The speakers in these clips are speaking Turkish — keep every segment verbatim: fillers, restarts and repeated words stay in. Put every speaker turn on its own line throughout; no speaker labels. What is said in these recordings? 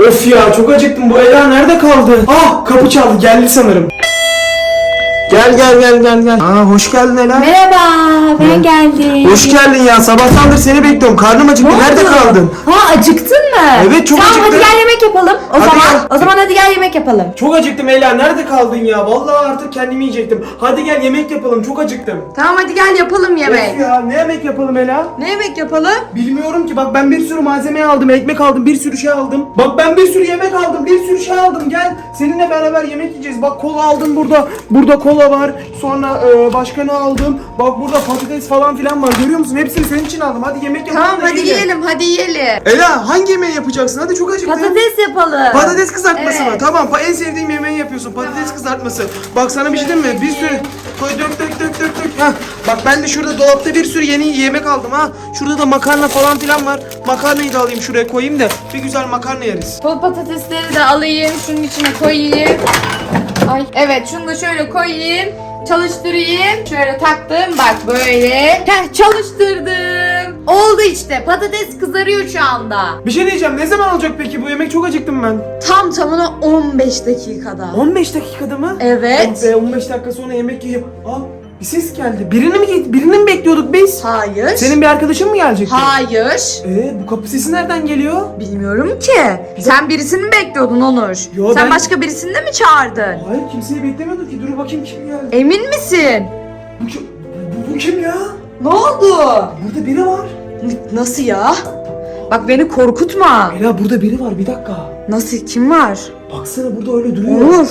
Of ya, çok acıktım. Bu Ela nerede kaldı? Ah, kapı çaldı, geldi sanırım. Gel gel gel gel gel. Aa, hoş geldin Ela.
Merhaba, ben geldim.
Hoş geldin ya. Sabahtandır seni bekliyorum. Karnım acıktı.
Ne
Nerede
oldu?
kaldın?
Ha, acıktın mı?
Evet, çok
tamam,
acıktım.
Tamam, hadi gel yemek yapalım. O
Hadi
zaman
gel.
o zaman hadi gel yemek yapalım.
Çok acıktım Ela. Nerede kaldın ya? Vallahi artık kendimi yiyecektim. Hadi gel yemek yapalım. Çok acıktım.
Tamam, hadi gel yapalım
Of ya, ne yemek yapalım Ela?
Ne yemek yapalım?
Bilmiyorum ki. Bak ben bir sürü malzeme aldım. Ekmek aldım. Bir sürü şey aldım. Bak ben bir sürü yemek aldım. Bir sürü şey aldım. Gel. Seninle beraber yemek yiyeceğiz. Bak kola aldım burada. Burada kola var. Sonra e, başka ne aldım? Bak burada patates falan filan var. Görüyor musun? Hepsini senin için aldım. Hadi yemek yapalım.
Tamam,
da
hadi yiyelim, hadi yiyelim.
Ela, hangi yemeği yapacaksın? Hadi, çok acıktım.
Patates yapalım.
Patates kızartması
Evet.
mı? Tamam. Pa- En sevdiğim yemeği yapıyorsun. Patates kızartması. Bak sana bir şey diyeyim mi? Bir sürü koy, dök dök dök dök dök. Hah. Bak ben de şurada dolapta bir sürü yeni yemek aldım ha. Şurada da makarna falan filan var. Makarnayı da alayım, şuraya koyayım da bir güzel makarna yeriz.
Bu patatesleri de alayım, şunun içine koyayım. Ay, evet, şunu da şöyle koyayım. Çalıştırayım. Şöyle taktım, bak böyle. Heh, çalıştırdım. Oldu işte. Patates kızarıyor şu anda.
Bir şey diyeceğim. Ne zaman olacak peki bu yemek? Çok acıktım ben.
Tam tamına on beş dakikada.
on beş dakikada mı?
Evet.
Oh be, on beş dakika sonra yemek yiyip. Aa, bir ses geldi. Birini mi birini mi bekliyorduk biz?
Hayır.
Senin bir arkadaşın mı gelecekti?
Hayır.
Ee, bu kapı sesi nereden geliyor?
Bilmiyorum ki. Sen birisini mi bekliyordun Onur?
Yo,
Sen
ben-
başka birisini de mi çağırdın?
Hayır, kimseyi beklemiyorduk ki. Dur bakayım kim geldi.
Emin misin?
Bu, kim- bu, bu kim ya?
Ne oldu?
Burada biri var.
Nasıl ya? Bak beni korkutma.
Ela, burada biri var, bir dakika.
Nasıl? Kim var?
Baksana, burada öyle duruyor.
Onur.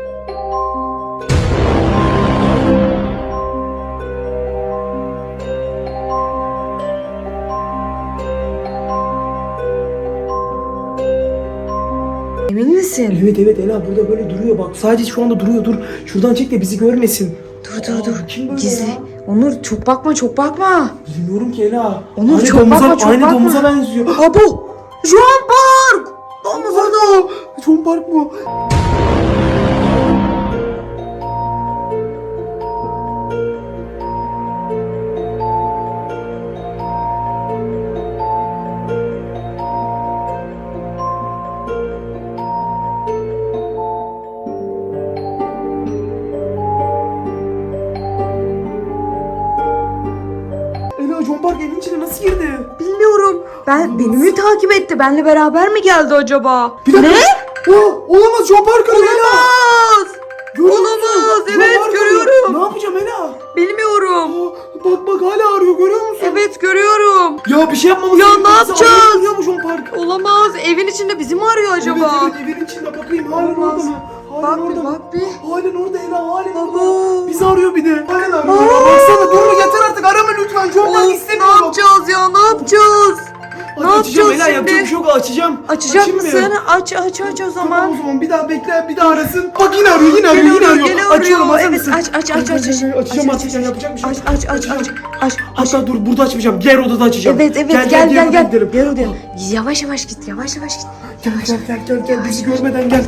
Emin misin?
Evet evet Ela, burada böyle duruyor bak. Sadece şu anda duruyor, dur. Şuradan çek de bizi görmesin.
Dur dur
Aa,
dur.
kim böyle
Gizli.
ya?
Onur çok bakma çok bakma.
Bilmiyorum ki Ela.
Onur,
aynı
çok
domuza,
bakma, çok
aynı
bakma.
domuza benziyor.
Aa bu. Jean Park.
Domuz orada. John Park mı? Ela, John Park evin içine nasıl girdi?
Bilmiyorum. Ben beni mi takip etti? Benle beraber mi geldi acaba?
Bir dakika.
Ne?
Aa, olamaz, John Park arıyor Ela.
Olamaz.
Görüyor musun?
Olamaz,
John
evet,
Park arıyor.
görüyorum.
Ne yapacağım Ela?
Bilmiyorum.
Aa, bak bak hala arıyor, görüyor musun?
Evet görüyorum.
Ya bir şey yapmamız
Ya
gerekiyor.
ne
Bizi
yapacağız?
arıyor mu John Park?
Olamaz. Evin içinde bizi mi arıyor acaba?
Evet evet, evin içinde bakayım, halen
Olamaz.
orada mı? Halen
Bak
orada
bir,
mı?
bak bir.
Halen orada Ela, halen
Baba.
orada. Bizi arıyor bir de. Halen arıyor.
Aa.
Ya. Baksana, dur yeter artık, arama lütfen. John Park
Of, ne
istemiyorum.
yapacağız ya? Ne yapacağız?
Hadi
Ne
açacağım
yapacağız
Ela, yapacak
şimdi?
bir şey yok, açacağım.
Açacak
Açayım mı?
mısın? Aç aç aç o
Tamam,
zaman.
o zaman bir daha bekle, bir daha arasın. Bak yine arıyor, yine arıyor,
Gene
yine
arıyor,
arıyor.
gene
Açıyorum,
arıyor.
hazır
Evet,
mısın?
aç aç aç aç aç.
Açacağım
Aç,
artık,
aç,
yani
aç.
yapacak bir şey
Aç
yok.
aç aç aç.
Açacağım.
Aç aç.
Hatta dur, burada açmayacağım. Diğer odada açacağım.
Evet evet
Gel
gel
diğer
gel
odaya
gel.
gidelim.
Gel odaya. Yavaş yavaş git yavaş yavaş git.
Gel gel gel gel gel, bizi görmeden gel.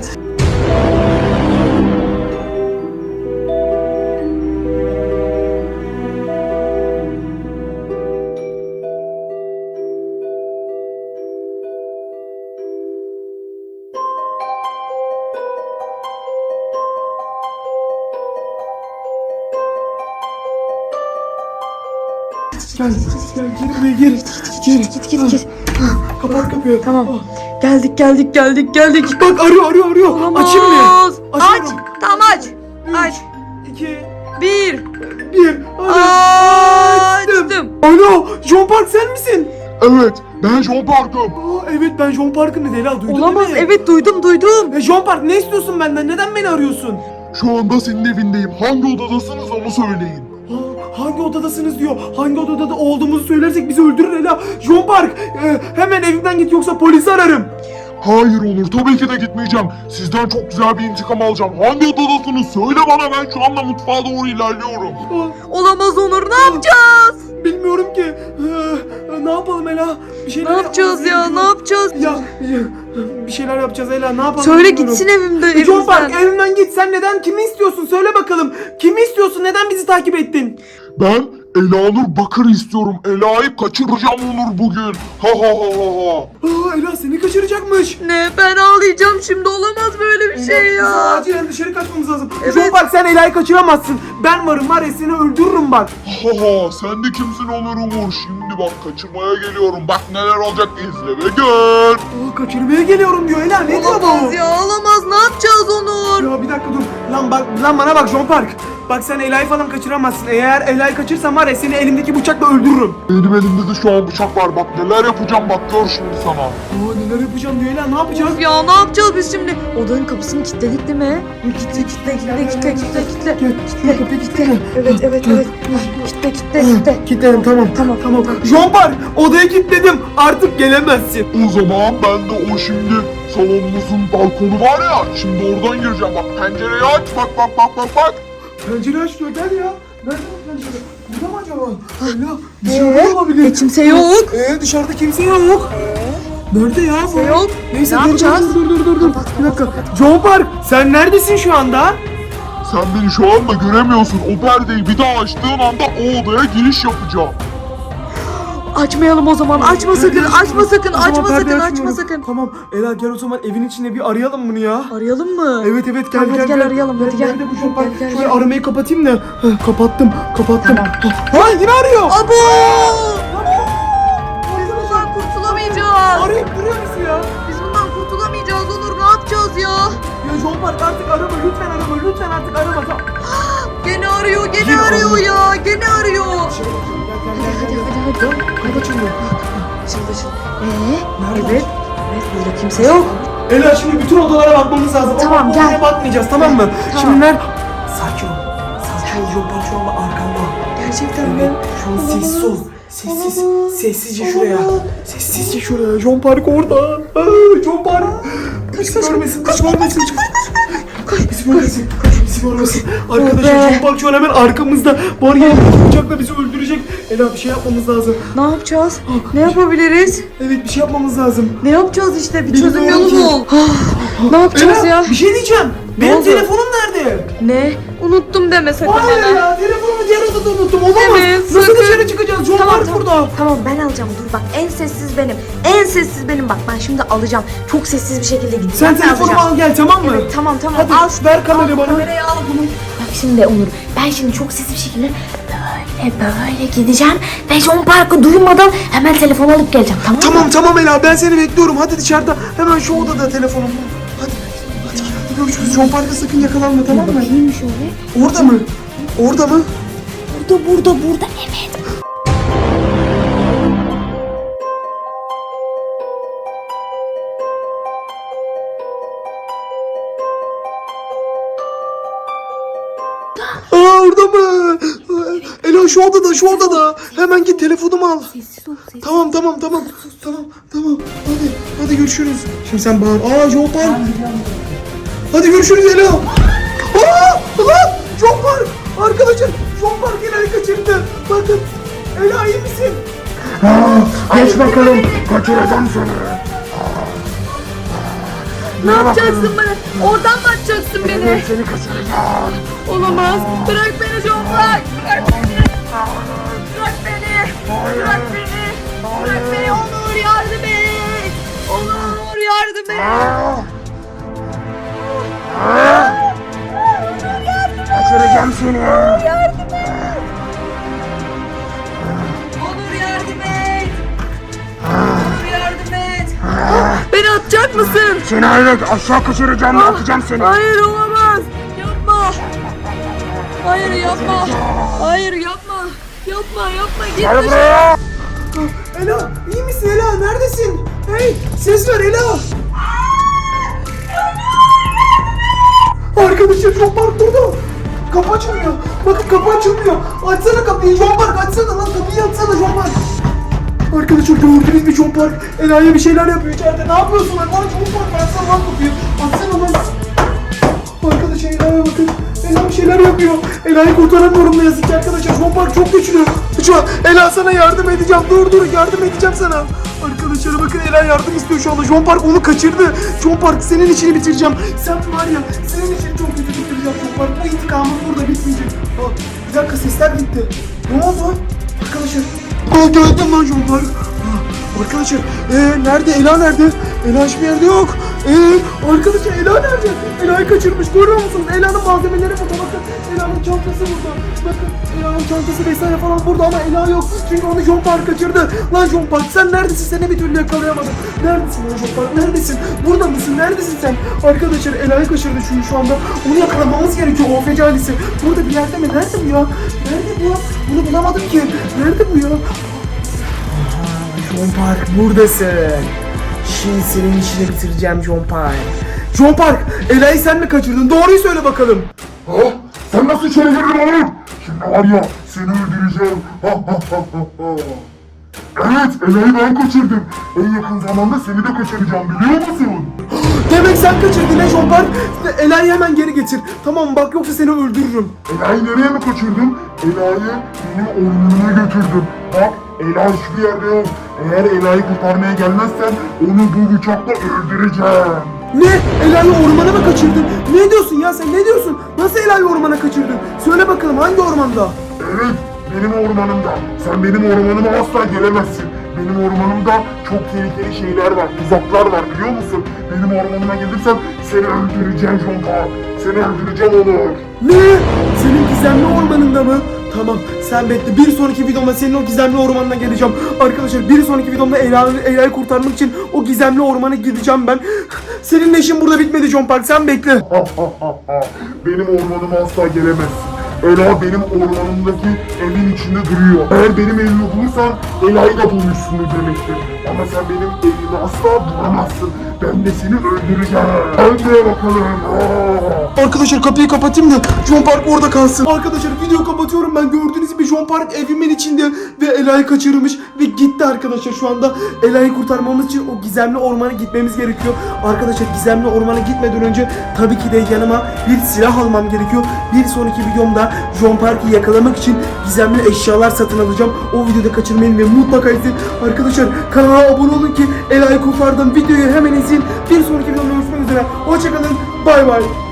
Gel, gel, gir buraya, gir. Gir.
Git git git.
Kapat kapıyı.
Tamam.
Ah,
Geldik geldik geldik geldik.
bak arıyor, arıyor, arıyor.
Olamaz.
Açayım mı?
Aç.
Açıyorum.
Tamam aç. Aç.
İki,
Bir.
bir. Hadi.
Açtım.
Alo, John Park sen misin?
Evet, ben John Park'ım.
Aa, evet, ben John Park'ın dedi Ela, duydun
Olamaz.
değil mi?
Evet duydum duydum.
Ya John Park, ne istiyorsun benden? Neden beni arıyorsun?
Şu anda senin evindeyim. Hangi odadasınız onu söyleyin.
Aa, hangi odadasınız diyor. Hangi odada da olduğumuzu söylersek bizi öldürür Ela. John Park, e, hemen evimden git, yoksa polisi ararım.
Hayır olur, tabii ki de gitmeyeceğim. Sizden çok güzel bir intikam alacağım. Hangi odadasınız? Söyle bana, ben şu anda mutfağa doğru ilerliyorum.
Aa,
Olamaz Onur. Ne yapacağız?
bilmiyorum ki. Ee, ne yapalım Ela? Bir şeyler
Ne yapacağız
yapmamız
ya?
gerekiyor.
Ne yapacağız?
Ya, ya, bir şeyler yapacağız Ela, ne yapalım?
Söyle
bilmiyorum.
gitsin evimde
John Park,
evimizden.
evimden git. Sen neden, kimi istiyorsun? Söyle bakalım. Kimi istiyorsun? Neden bizi takip ettin?
Ben Elanur Bakır istiyorum. Ela'yı kaçıracağım Onur bugün. Ha ha ha ha ha.
Aa, Ela seni kaçıracakmış.
Ne? Ben ağlayacağım.
Ağlayacağım şimdi, olamaz böyle bir şey
Bizim
ya.
acilen dışarı kaçmamız lazım.
Evet.
John Park sen Ela'yı kaçıramazsın. Ben varım var ya seni öldürürüm bak.
Haha sen de kimsin olur Umur? Şimdi bak kaçırmaya geliyorum. Bak neler olacak izle ve gör.
Aa, kaçırmaya geliyorum diyor Ela. Ne diyor bu?
Olamaz ya, olamaz. Ne yapacağız Onur?
Ya bir dakika dur. Lan bak lan bana bak John Park. Bak sen Ela'yı falan kaçıramazsın. Eğer Ela'yı kaçırsan var ya seni elimdeki bıçakla öldürürüm.
Benim elimde de şu an bıçak var. Bak neler yapacağım bak gör şimdi sana.
Aa neler yapacağım diyor Ela. Ne yapacağız?
Of ya, ne yapacağız biz şimdi? Odanın kapısını kilitledik değil mi? Kitle kitle kitle kitle kitle kitle.
Gel, gel kapıyı kilitle.
Evet evet evet. Kitle kitle kitle.
Kilitledim tamam.
Tamam,
tamam.
tamam.
John Park odaya kilitledim. Artık gelemezsin.
O zaman ben de o şimdi salonumuzun balkonu var ya. Şimdi oradan gireceğim. Bak pencereyi aç. Bak bak bak bak bak.
Pencere aç diyor gel ya. Nerede bu pencere? Burada mı acaba? Ela dışarıda
Ee?
olabilir.
E, kimse yok.
Ee dışarıda kimse yok. Nerede ya bu?
Kimse yok.
Neyse
Ne
dur,
yapacağız?
dur dur dur dur dur.
Kapat,
Bir
kapat,
dakika.
kapat.
John Park sen neredesin şu anda?
Sen beni şu anda göremiyorsun. O perdeyi bir daha açtığın anda o odaya giriş yapacağım.
Açmayalım o zaman. Açma sakın.
Perdeyi
Açma sakın.
O zaman
Açma
perdeyi
sakın. Açma
açmıyorum.
sakın.
Tamam Ela gel o zaman evin içinde bir arayalım bunu ya.
Arayalım mı?
Evet evet gel
Tamam,
gel
hadi gel arayalım, hadi gel.
Nerede bu John Park?
Gel, gel,
Şöyle
gel.
aramayı kapatayım da. Heh, kapattım kapattım.
Tamam.
Ha yine arıyor.
Abo! Biz bundan kurtulamayacağız.
Arayıp duruyor musun ya?
Biz bundan kurtulamayacağız Onur. Ne yapacağız ya?
Ya John Park artık arama lütfen arama lütfen artık arama. Tamam.
Gene arıyor. Gene
Yine
arıyor
arıyor.
ya. Gene arıyor.
Dışarı bakayım, gel gel
Hadi
gel.
hadi
gel.
hadi hadi.
Kapı açılıyor.
Açıldı açıldı. Ee?
Nerede?
Evet. Evet, burada kimse yok.
Ela şimdi bütün odalara bakmamız lazım.
Tamam,
Ama bu
gel.
odaya bakmayacağız tamam mı?
Tamam.
Şimdi nerede? Sakin ol. Sakin ol John Park şu anda arkanda.
Gerçekten
Evet.
mi?
Şu an sessiz ol. Sessiz.
Olamaz.
Sessizce şuraya. Sessizce şuraya. John Park orada. Aa, John Park. Bizi görmesin. Bizi görmesin. Bizi görmesin. Bizi görmesin. Arkadaşlar
be.
John Park şu an hemen arkamızda. Var ya bıçakla bizi öldürecek. Ela bir şey yapmamız lazım.
Ne yapacağız? Ne yapabiliriz?
Evet bir şey yapmamız lazım.
Ne yapacağız işte? Bir
Bilmiyorum
çözüm yolu
ki.
bul. Ne yapacağız
Ela
ya?
bir şey diyeceğim. Benim
oldu?
telefonum nerede?
Ne? Unuttum deme sakın
Hayır
hemen.
ya telefonumu diğer odada unuttum. Olamaz.
Evet,
Nasıl
sakın.
dışarı çıkacağız? John
Tamam,
Park
tamam.
burada.
Tamam ben alacağım, dur bak, en sessiz benim. En sessiz benim, bak ben şimdi alacağım. Çok sessiz bir şekilde gideceğim.
Sen
Ben
telefonumu
alacağım.
al gel tamam mı?
Evet, tamam tamam
Hadi
al.
ver kamerayı
Al,
bana.
Kamerayı al bunu.
Bak şimdi Onur, ben şimdi çok sesli bir şekilde böyle böyle gideceğim ve John Park'ı duymadan hemen telefon alıp geleceğim, tamam mı?
Tamam tamam Ela ben seni bekliyorum. Hadi dışarıda hemen şu odada telefonum. Hadi hadi hadi görüşürüz. John Park'a sakın yakalanma tamam mı?
Bakayım şöyle.
Orada mı? Orada mı?
Burada burada burada evet.
Aa orada mı? Ela şu odada şu odada. Hemen git telefonumu al.
Sessiz ol sessiz.
Tamam tamam tamam. Tamam tamam. Hadi hadi görüşürüz. Şimdi sen bağır. Aa John Park. Hadi görüşürüz Ela. Aa lan John Park. Arkadaşlar John Park Ela'yı kaçırdı. Bakın. Ela iyi misin?
Geç bakalım. Kaçıracağım seni.
Ne yapacaksın bana? Oradan mı atacaksın beni?
Seni kaçıracağım.
Olamaz. Bırak beni John Park. Bırak beni. Bırak beni. Bırak beni. Bırak beni. Onur yardım et. Onur yardım et.
Kaçıracağım seni.
Onur yardım et. Onur yardım et. Beni atacak mısın?
Seni evet aşağı kaçıracağım. Atacağım seni.
Hayır olamaz. Yapma. Hayır yapma. Hayır yapma. Yapma yapma. Git
Gel
dışarı.
buraya.
Ela iyi misin Ela? Neredesin? Hey ses ver Ela. Arkadaşlar John Park burada. Kapı açılmıyor. Bakın kapı açılmıyor. Açsana kapıyı John Park açsana lan kapıyı açsana John Park. Arkadaşlar gördünüz mü John Park? Ela'ya bir şeyler yapıyor içeride. Ne yapıyorsun lan? Lan John Park açsana lan kapıyı. Açsana lan. Arkadaşlar Ela'ya bakın. Ela bir şeyler yapıyor. Ela'yı kurtaramıyorum ne yazık ki arkadaşlar. John Park çok güçlü. Şu an Ela sana yardım edeceğim. Dur dur yardım edeceğim sana. Arkadaşlar bakın Ela yardım istiyor şu anda. John Park onu kaçırdı. John Park senin işini bitireceğim. Sen var ya senin işini çok kötü bitireceğim John Park. Bu intikamın burada bitmeyecek. Aa, bir dakika sesler gitti. Ne oldu? Arkadaşlar. Aa geldim lan John Park. Aa, arkadaşlar ee, nerede Ela nerede? Ela hiçbir yerde yok. Ee, Arkadaşlar Ela nerede? Ela'yı kaçırmış. Görüyor musunuz? Ela'nın malzemeleri burada. Bakın Ela'nın çantası burada. Bakın Ela'nın çantası vesaire falan burada ama Ela yok. Çünkü onu John Park kaçırdı. Lan John Park sen neredesin? Seni bir türlü yakalayamadım. Neredesin lan John Park? Neredesin? Burada mısın? Neredesin sen? Arkadaşlar Ela'yı kaçırdı çünkü şu anda. Onu yakalamamız gerekiyor. O fecalisi. Burada bir yerde mi? Nerede bu ya? Nerede bu? Bunu bulamadım ki. Nerede bu ya? Aha, John Park buradasın. Şimdi senin işini bitireceğim John Park. John Park, Ela'yı sen mi kaçırdın? Doğruyu söyle bakalım.
Ha? Sen nasıl içeri girdin oğlum? Şimdi var ya seni öldüreceğim. Ha ha ha ha ha. Evet, Ela'yı ben kaçırdım. En yakın zamanda seni de kaçıracağım biliyor musun?
Demek sen kaçırdın he John Park. Ela'yı hemen geri getir. Tamam bak yoksa seni öldürürüm.
Ela'yı nereye mi kaçırdın? Ela'yı benim ormanıma götürdüm. Bak, Ela hiçbir yerde yok. Eğer Ela'yı kurtarmaya gelmezsen onu bu bıçakla öldüreceğim.
Ne? Ela'yı ormana mı kaçırdın? Ne diyorsun ya sen ne diyorsun? Nasıl Ela'yı ormana kaçırdın? Söyle bakalım hangi ormanda?
Evet, benim ormanımda. Sen benim ormanıma asla gelemezsin. Benim ormanımda çok tehlikeli şeyler var, tuzaklar var biliyor musun? Benim ormanıma gelirsen seni öldüreceğim John Park. Seni öldüreceğim Onur.
Ne? Senin gizemli ormanında mı? Tamam sen bekle. Bir sonraki videomda senin o gizemli ormanına geleceğim. Arkadaşlar bir sonraki videomda Ela'yı Ela'yı kurtarmak için o gizemli ormana gideceğim ben. Senin işin burada bitmedi John Park. Sen bekle.
Benim ormanıma asla gelemezsin. Ela benim ormanımdaki evin içinde duruyor. Eğer benim evimi bulursan Ela'yı da bulmuşsundur demektir. Ama sen benim evimi asla bulamazsın. Ben de seni öldüreceğim. Öldüre bakalım. Aa!
Arkadaşlar kapıyı kapatayım da John Park orada kalsın. Arkadaşlar videoyu kapatıyorum ben. Gördüğünüz gibi John Park evimin içinde ve Ela'yı kaçırmış ve gitti arkadaşlar. Şu anda Ela'yı kurtarmamız için o gizemli ormana gitmemiz gerekiyor. Arkadaşlar gizemli ormana gitmeden önce tabii ki de yanıma bir silah almam gerekiyor. Bir sonraki videomda John Park'ı yakalamak için gizemli eşyalar satın alacağım. O videoda kaçırmayın ve mutlaka izleyin. Arkadaşlar kanala abone olun ki Ela'yı kurtardım. Videoyu hemen izleyin. Bir sonraki videomda görüşmek üzere. Hoşçakalın. Bay bay.